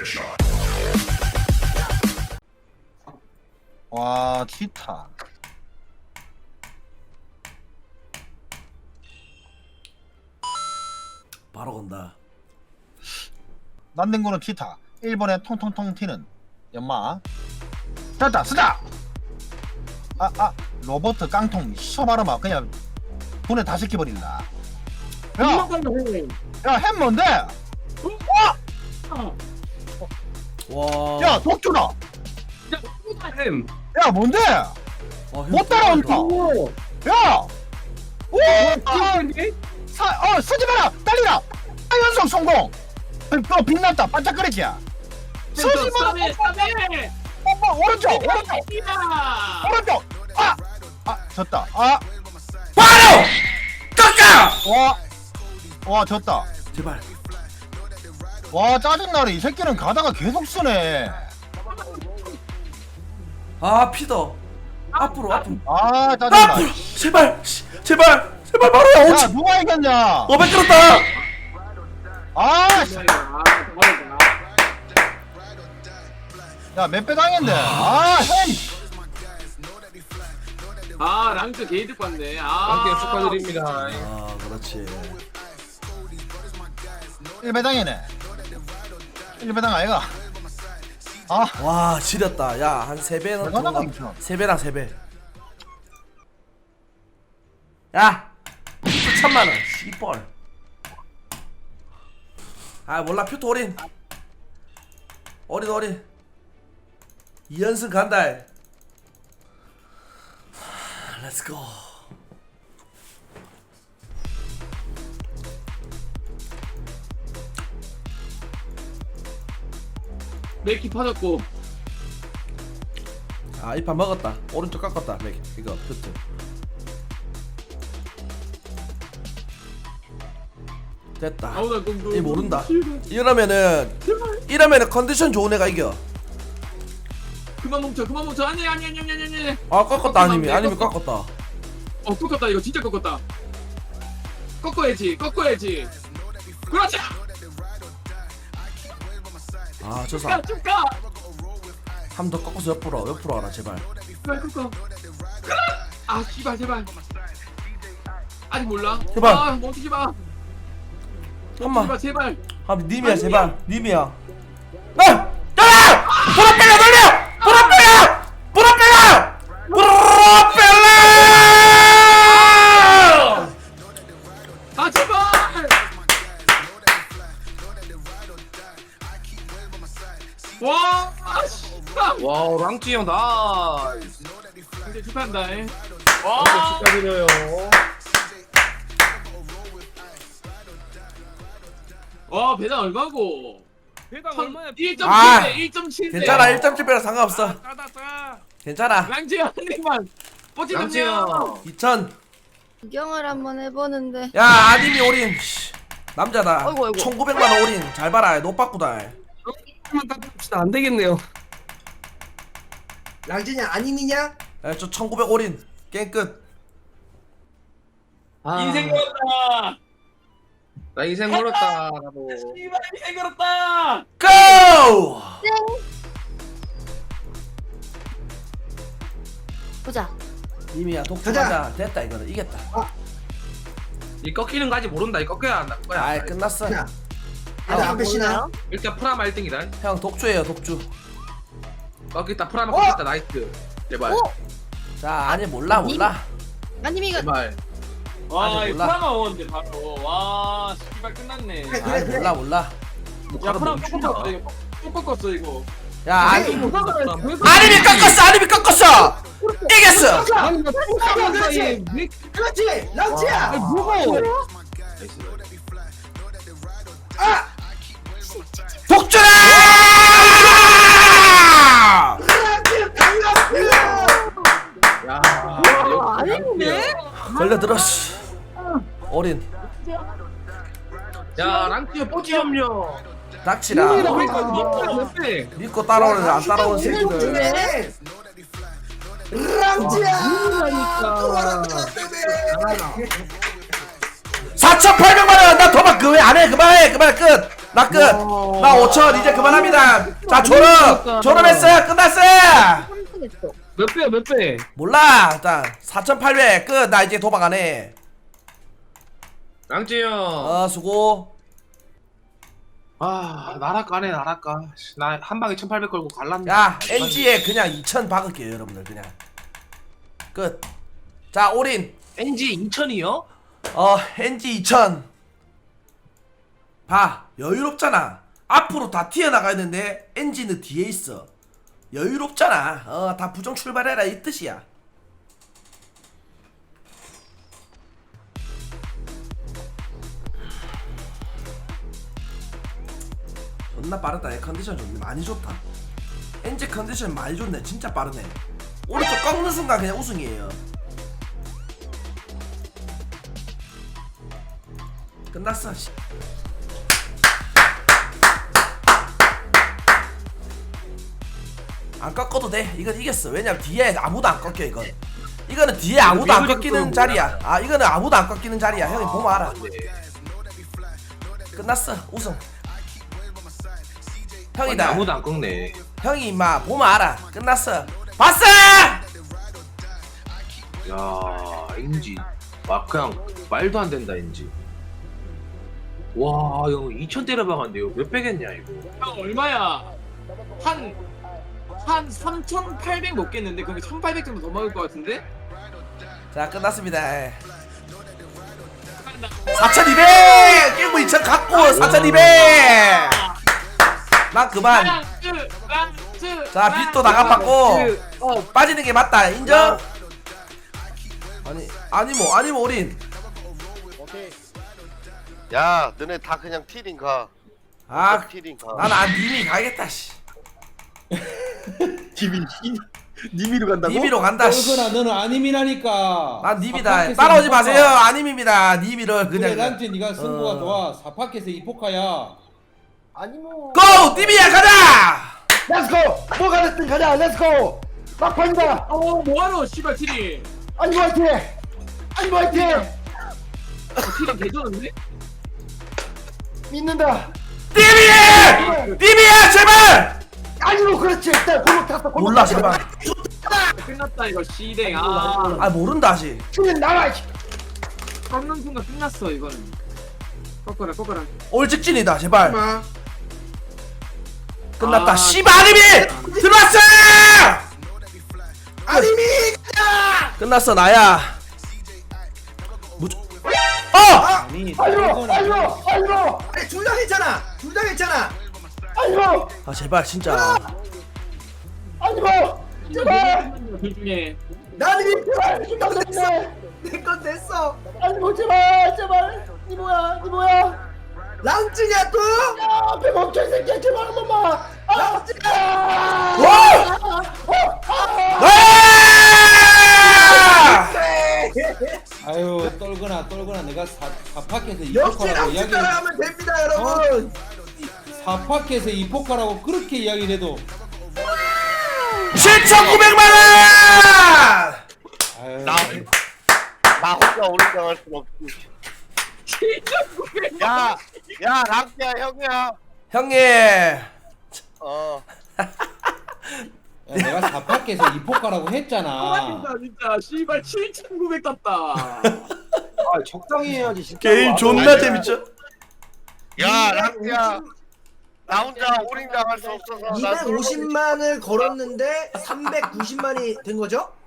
와 티타 바로 건다. 난닝구는 티타 1번에 통통통 튀는 연마 됐다 쓰자. 로버트 깡통 셔바르마 그냥 분해 다 시켜버린다. 야햄 뭔데? 와. 야 독주다. 햄. 야 뭔데? 와, 못 따라온다. 야! 오! 쓰지 마라! 딸리라! 연속 성공! 빛났다! 반짝거리지? 쓰지 마라! 오른쪽! 오른쪽! 졌다. 바로 깎아. 와, 졌다. 제발. 와, 짜증나네. 이 새끼는 가다가 계속 쓰네. 아 피더. 앞으로. 짜증나. 앞으로. 제발 바로야. 야, 5천. 누가 이겼냐? 500 끌었다. 씨. 야, 몇 배 당했네. 햄! 랑크 게이드 봤네. 랑크 축하드립니다. 아 그렇지. 1배 당했네. 1배 당 아이가? 와 지렸다. 야 한 3배는 얼마나 더. 감겨? 3배랑 3배. 야 9천만원 씨뻘. 몰라. 표토 어린 2연승 간다. 렛츠고. 맥키 파졌고. 이 판 먹었다. 오른쪽 깎았다. 이거 표토. 됐다. 이 모른다. 이러면은 컨디션 좋은 애가 이겨. 그만 멈춰. 아니. 꺾었다. 아니면 꺾었다. 꺾었다. 이거 진짜 꺾었다. 꺾어야지. 그렇지. 저 사람 쭉 가. 한 번 더 꺾어서 옆으로 와라 제발. 꺾어. 씨발 제발. 아직 몰라. 제발. 멈추지 마. 잠깐만. 제발. 님이야 제발. 님이야. 브라펠라 돌려. 브라펠라. 제발. 와, 랑찌 형 나. 이제 축하한다. 축하드려요. 와, 배당 얼마고? 배당 얼마야? 1.7대 1.7대. 괜찮아. 1.7배라 상관없어. 괜찮아. 랑지 한입만. 랑찌 형. 2000. 구경을 한번 해보는데. 야 아님이 올인. 남자다. 아이고. 1900만원 올인. 잘 봐라. 노빠꾸다. 안 되겠네요. 랑진이 아니니냐? 저 1900 올인. 게임 끝. 인생 걸었다. 나 인생 걸었다. 나도. 씨발 인생 걸었다. 고! 보자. 님이야 독주하자. 됐다 이거는. 이겼다. 이 꺾이는 거 아직 모른다. 이 꺾여야 한다. 끝났어. 야, 앞에 신아. 일단 프라마 1등이다. 형 독주예요 독주. 꺾였다. 프라마 꺾였다. 나이스. 제발. 자 아니 몰라. 아님 이거 제발. 와, 아직 이 몰라. 프라마 원인데 바로. 와, 씨발 끝났네. 그래. 몰라. 야, 프라마 또 꺾었어 이거. 또 꺾었어 이거. 야 아니. 뭐 아님이 꺾었어. 이겼어. 그렇지, 랑지야. 독주라! 랑지 반갑습니다. 야. 아닌데? 걸려들어 씨. 어린. 야, 랑찌 형 뽀찌 염려. 닥치라. 믿고 따라오는 안 따라오는 새끼들. 랑지야. 또 말았다 때문에. 4,800만원 나 도박 그왜 안해. 그만해 끝. 나 끝. 나 5천 이제 그만합니다. 자 졸업했어요. 끝났어요. 삼성했어. 몇 배야 몇 배? 몰라. 일단 4,800 끝. 나 이제 도박 안 해. 랑찌 형. 수고. 아 나락가네 나락가. 나 한 방에 1,800 걸고 갈랐네. 야 NG에 그냥 2,000 박을게요 여러분들 그냥. 끝. 자 올인. NG 2,000이요? NG 2,000. 봐 여유롭잖아. 앞으로 다 튀어나가야 되는데 NG는 뒤에 있어. 여유롭잖아. 다 부정 출발해라 이 뜻이야. 존나 빠르다. 컨디션 좋네. 많이 좋다. NG 컨디션 많이 좋네. 진짜 빠르네. 오른쪽 꺾는 순간 그냥 우승이에요. 끝났어. 씨. 안 꺾어도 돼. 이건 이겼어. 왜냐면 뒤에 아무도 안 꺾여 이건. 이거는 뒤에 아무도 안 꺾이는 자리야. 아 이거는 아무도 안 꺾이는 자리야. 형이 보면 알아. 끝났어. 우승. 형이다. 아무도 안 꺾네. 형이 임마 보면 알아. 끝났어. 봤어! 야 NG. 막 그냥 말도 안 된다 NG. 와 이거 2,000 때려박았는데요. 몇 배겠냐 이거. 형 얼마야? 한 3,800 먹겠는데? 그럼 1,800 정도 더 먹을 것 같은데? 자 끝났습니다. 4,200! 게임 2,000 갖고 4,200! 난 그만. 자 빚도 나가봤고 빠지는 게 맞다. 인정? 아니 뭐 올인. 야, 너네 다 그냥 티링 가. 아 티링 가. 난 님이 가겠다 씨. 님이로 간다고? 님이로 간다 씨. 떨거나 너는 아님이라니까. 난 님이다. 사파켓에서 따라오지 이포카. 마세요. 아님입니다. 님이를 그래 그냥. 난지 네가 승부가 좋아. 사파켓에 이포카야. 아니 뭐. 고! 님이야 가자! 렛츠고! 뭐가 됐든 가자. 렛츠고! 막판이다. 뭐하러 씨발 티리. 아니 화이팅! 아니 화이팅! 티리 개좋은데? 믿는다. 님이야! 님이야 제발! 아니로 그렇지. 일단 골목 탔어. 골목 몰라 탔어. 제발. 끝났다 이거 씨댕. 아 아 모른다 아직. 치면 나와. 꺾는 순간 끝났어 이거는. 꺾어라. 올 직진이다 제발. 끝났다. 아, 씨발 아님이 들어왔어! 아님이 끝났어 나야. 아니로 아니로. 아니 둘 다 괜찮아. 둘 다 괜찮아. 아니로 아 제발 진짜. 아니로. 제발. 둘 중에 나는 제발 부탁드리네. 내건 됐어. 아니로 제발 제발. 니 뭐야? 랑찌냐 또? 야, 앞에 멈춰 이 새끼야 제발 한 번만. 아유 떨거나 내가 사파켓에 역시 이포카라고 랑찌 이야기 따라하면 됩니다 여러분. 사파켓에 이포카라고 그렇게 이야기를 해도 7,900만 원! 아유 나 혼자 올라갈 순 없지. 야, 랑키야 형이야. 형님. 야, 내가 사파켓에 이포카라고 했잖아. 아 진짜 씨발 7,900 땄다. 아 적당히 해야지 진짜. 게임 존나 재밌죠? 야, 랑키야. 나 혼자 올인 당할 수 없어서. 250만을 걸었는데 390만이 된 거죠?